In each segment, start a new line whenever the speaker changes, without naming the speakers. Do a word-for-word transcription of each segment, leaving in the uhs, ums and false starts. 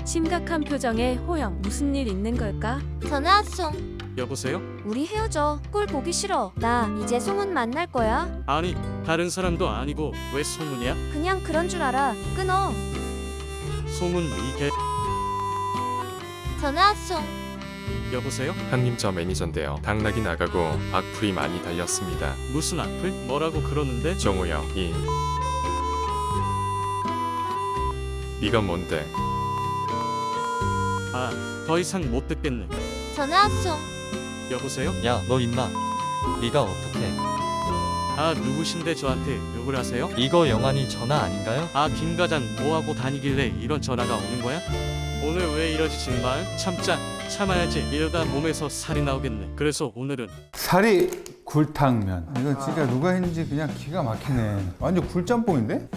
심각한 표정의 호영. 무슨 일 있는 걸까?
전화 송.
여보세요?
우리 헤어져. 꼴 보기 싫어. 나 이제 송은 만날 거야.
아니 다른 사람도 아니고 왜 소문이야?
그냥 그런 줄 알아. 끊어.
소문 이게
전화 송.
여보세요?
형님 저 매니저인데요. 당락이 나가고 악플이 많이 달렸습니다.
무슨 악플? 뭐라고 그러는데?
정우 형 이. 네가 뭔데?
아, 더 이상 못 듣겠네.
전화 송.
여보세요?
야, 너 임마. 네가 어떻게?
아, 누구신데 저한테 욕을 하세요?
이거 영환이 전화 아닌가요?
아, 김 과장 뭐하고 다니길래 이런 전화가 오는 거야? 오늘 왜 이러지 정말? 참자, 참아야지. 이러다 몸에서 살이 나오겠네. 그래서 오늘은
사리 굴탕면. 이거 진짜 누가 했는지 그냥 기가 막히네. 완전 굴짬뽕인데?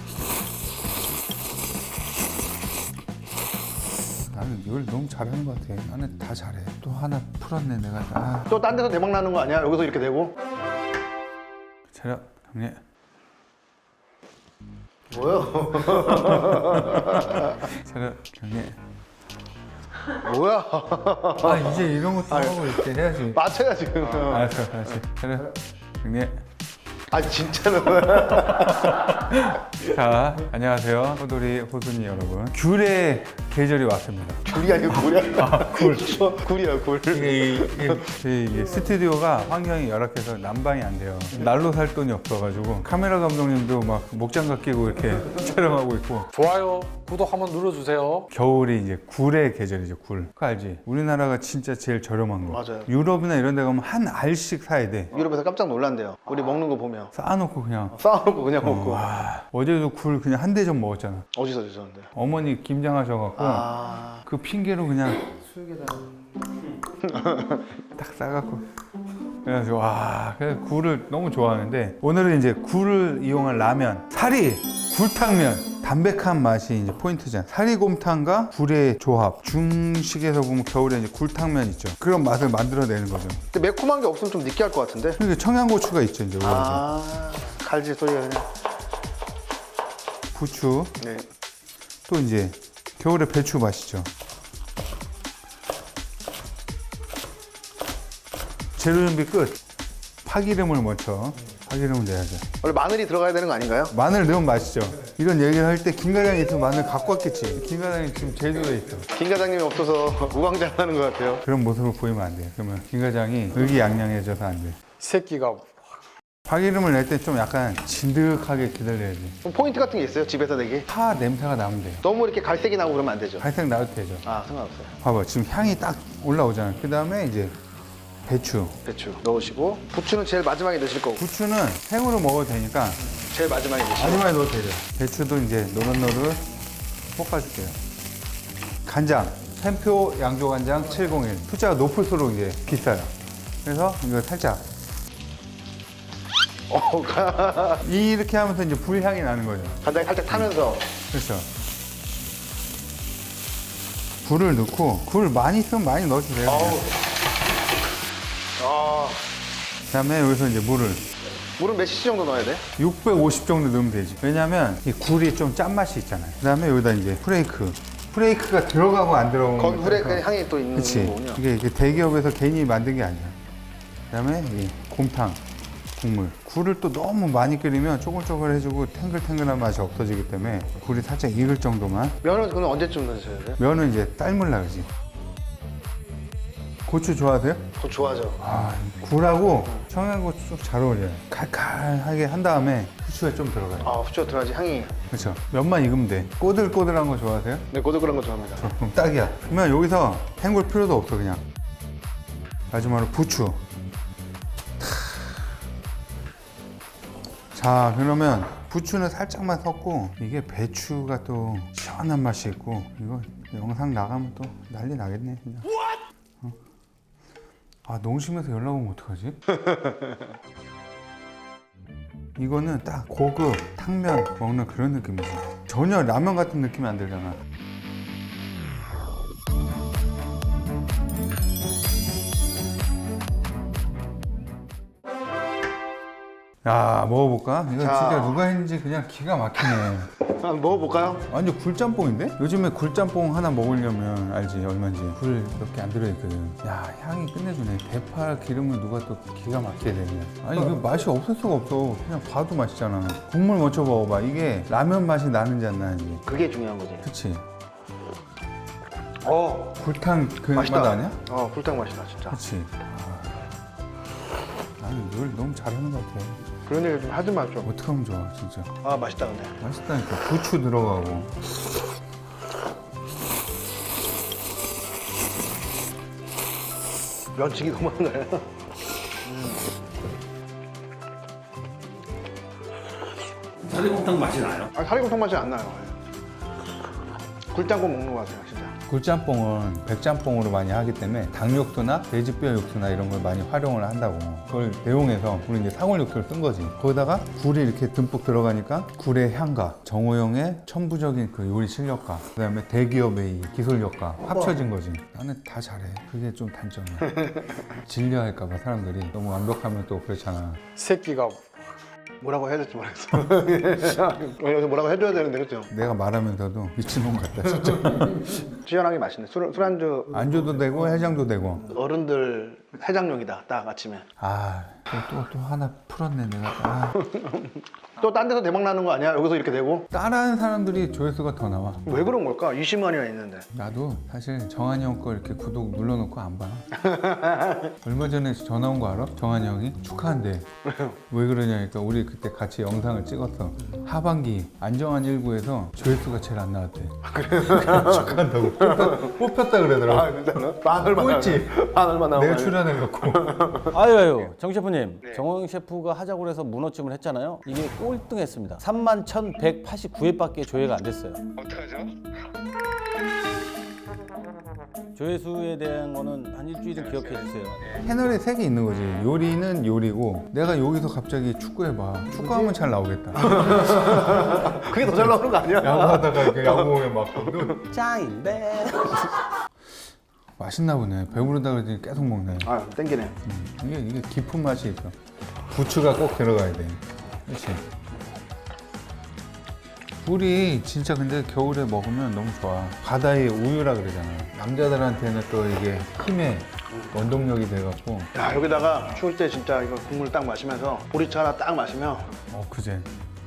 나는 이걸 너무 잘하는 것 같아. 나는 다 잘해. 또 하나 풀었네 내가. 아,
또 딴 데서 대박 나는 거 아니야? 여기서 이렇게 되고?
차려 형님.
뭐야?
차려 형님.
뭐야?
아 이제 이런 것도 하고 이렇게 해야지.
맞춰야 지금.
알았어, 알았어. 차려 형님.
아 진짜로.
자, 안녕하세요. 호돌이 호순이 여러분. 귤의 계절이 왔습니다.
굴이 아니고 굴이야.
아, 굴.
저 굴이야 굴.
이게, 이게, 이게, 이게 스튜디오가 환경이 열악해서 난방이 안 돼요. 날로 살 돈이 없어가지고 카메라 감독님도 막 목장갑 끼고 이렇게 촬영하고 있고.
좋아요, 구독 한번 눌러주세요.
겨울이 이제 굴의 계절이죠. 굴. 그거 알지? 우리나라가 진짜 제일 저렴한 거.
맞아요.
유럽이나 이런 데 가면 한 알씩 사야 돼.
유럽에서 깜짝 놀란대요. 우리 먹는 거 보면
쌓아놓고 그냥.
쌓아놓고 그냥 먹고.
와, 어제도 굴 그냥 한 대접 먹었잖아.
어디서 주셨는데?
어머니 김장하셔갖고
아.
그 핑계로 그냥 딱 싸갖고 그래가지고 와, 그래서 굴을 너무 좋아하는데 오늘은 이제 굴을 이용한 라면, 사리 굴탕면. 담백한 맛이 이제 포인트잖아. 사리곰탕과 굴의 조합. 중식에서 보면 겨울에 이제 굴탕면 있죠. 그런 맛을 만들어내는 거죠.
근데 매콤한 게 없으면 좀 느끼할 것 같은데?
그러니까 청양고추가 있죠, 이제. 올라오죠.
아. 갈지 소리가 그냥.
부추.
네.
또 이제 겨울에 배추 맛이죠. 재료 준비 끝. 파기름을 먼저. 파기름을 내야죠.
원래 마늘이 들어가야 되는 거 아닌가요?
마늘 넣으면 맛있죠. 이런 얘기를 할 때 김 과장이 있으면 마늘 갖고 왔겠지. 김 과장이 지금 제주도에 있어.
김 과장님이 없어서 우왕좌왕하는 것 같아요.
그런 모습을 보이면 안 돼요. 그러면 김 과장이 의기양양해져서 안 돼.
새끼가
파기름을 낼 때 좀 약간 진득하게 기다려야지.
그럼 포인트 같은 게 있어요? 집에서 내기?
파 냄새가 나면 돼요.
너무 이렇게 갈색이 나고 그러면 안 되죠?
갈색 나도 되죠.
아 상관없어요.
봐봐, 지금 향이 딱 올라오잖아요. 그 다음에 이제 배추.
배추 넣으시고 부추는 제일 마지막에 넣으실 거고
부추는 생으로 먹어도 되니까
제일 마지막에 넣으시고
마지막에 넣어도 되죠. 배추도 이제 노릇노릇 볶아줄게요. 간장, 샘표 양조간장 칠공일. 숫자가 높을수록 이제 비싸요. 그래서 이거 살짝
어, 가-
이렇게 하면서 이제 불향이 나는 거죠.
간장이 살짝 타면서
그렇죠. 굴을 넣고, 굴 많이 있으면 많이 넣어주세요.
어우. 아,
그다음에 여기서 이제 물을
물은 몇 시시 정도 넣어야 돼?
육백오십 정도 넣으면 되지. 왜냐면 이 굴이 좀 짠맛이 있잖아요. 그다음에 여기다 이제 프레이크. 프레이크가 들어가고 안 들어가고.
거기 물에 그 향이 또 있는
그치.
거군요.
이게, 이게 대기업에서 괜히 만든 게 아니야. 그다음에 이 곰탕 국물. 굴을 또 너무 많이 끓이면 쪼글쪼글해지고 탱글탱글한 맛이 없어지기 때문에 굴이 살짝 익을 정도만.
면은 그건 언제쯤 넣으셔야 돼요?
면은 이제 삶을 나가지. 고추 좋아하세요?
그거 좋아하죠.
아, 굴하고 청양고추 좀 잘 어울려요. 칼칼하게 한 다음에 후추가 좀 들어가요.
아, 후추가 들어가지 향이.
그렇죠. 면만 익으면 돼. 꼬들꼬들한 거 좋아하세요?
네, 고들고란 거 좋아합니다.
어, 그럼 딱이야. 그러면 여기서 헹굴 필요도 없어, 그냥. 마지막으로 부추. 자, 그러면 부추는 살짝만 섞고 이게 배추가 또 시원한 맛이 있고 이거 영상 나가면 또 난리 나겠네, 그냥. 어? 아, 농심에서 연락 오면 어떡하지? 이거는 딱 고급 탕면 먹는 그런 느낌이지. 전혀 라면 같은 느낌이 안 들잖아. 야 먹어볼까? 이거
자.
진짜 누가 했는지 그냥 기가 막히네.
한번 먹어볼까요?
완전 굴짬뽕인데? 요즘에 굴짬뽕 하나 먹으려면 알지 얼마인지 굴 몇 개 안 들어있거든. 야 향이 끝내주네. 대파 기름을 누가 또 기가 막히게 되냐. 아니 이거 맛이 없을 수가 없어. 그냥 봐도 맛있잖아. 국물 먼저 먹어봐. 이게 라면 맛이 나는지 안 나는지.
그게 중요한 거지.
그치?
어,
굴탕 그 맛
맛있다.
아니야?
어, 굴탕 맛이다, 진짜.
그치? 아, 나는 늘 너무 잘하는 것 같아.
그런 얘기 좀 하지 마, 좀.
어떻게 하면 좋아 진짜.
아, 맛있다, 근데.
맛있다니까. 부추 들어가고.
면치기 너무 많네.
사리곰탕 맛이 나요?
아, 사리곰탕 맛이 안 나요. 굴짬뽕 먹는 것 같아요, 진짜.
굴짬뽕은 백짬뽕으로 많이 하기 때문에 닭 육수나 돼지뼈 육수나 이런 걸 많이 활용을 한다고. 그걸 대용해서 우리 이제 사골 육수를 쓴 거지. 거기다가 굴이 이렇게 듬뿍 들어가니까 굴의 향과 정호영의 천부적인 그 요리 실력과 그다음에 대기업의 이 기술력과 합쳐진 거지. 나는 다 잘해. 그게 좀 단점이야. 질려할까봐 사람들이 너무 완벽하면 또 그렇잖아.
새끼가
뭐라고 해야 될지 모르겠어. 여기서 뭐라고 해줘야 되는데, 그죠?
내가 말하면서도 미친놈 같다 진짜.
시원하게 맛있네. 술, 술안주
안주도 되고 해장도 되고.
어른들 해장용이다, 딱 아침에.
아, 또 또 또 하나 풀었네 내가. 아.
또 딴 데서 대박 나는 거 아니야? 여기서 이렇게 되고?
따라하는 사람들이 조회수가 더 나와.
왜 그런 걸까? 이십만이나 있는데.
나도 사실 정한이 형 거 이렇게 구독 눌러놓고 안 봐. 얼마 전에 전화 온 거 알아? 정한이 형이 축하한대. 왜 그러냐니까 우리 그때 같이 영상을 찍었어. 하반기 안정환 일구에서 조회수가 제일 안 나왔대. 축하한다고. 뽑혔, 뽑혔다 그러더라고.
아, 진짜로? 만 얼마
꼴찌.
만 얼마 나오고.
내가 출연해갖고.
아유 아유 정 셰프님, 정호영 셰프가 하자고 해서 문어찜을 했잖아요. 이게 꼴등했습니다. 삼만 천백팔십구 회밖에 조회가 안 됐어요.
어떡하죠?
조회수에 대한 거는 한 일주일은 기억해 주세요.
채널에 색이 있는 거지. 요리는 요리고 내가 여기서 갑자기 축구해봐. 축구하면 잘 나오겠다.
그게 더 잘 나오는 거 아니야?
야구하다가 이렇게 야구공에 맞고.
짱인데.
맛있나 보네. 배부르다 그러더니 계속 먹네.
아, 땡기네.
음, 이게, 이게 깊은 맛이 있어. 부추가 꼭 들어가야 돼. 그렇지. 굴이 진짜 근데 겨울에 먹으면 너무 좋아. 바다의 우유라 그러잖아. 남자들한테는 또 이게 힘의 원동력이 돼갖고.
야, 여기다가 추울 때 진짜 이거 국물 딱 마시면서 보리차 하나 딱 마시면
어, 그제.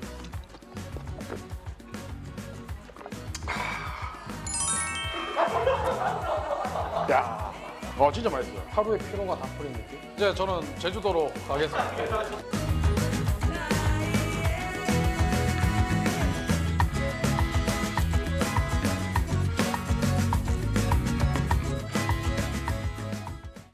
야, 어 진짜 맛있어요. 하루의 피로가 다 풀린 느낌. 이제 저는 제주도로 가겠습니다.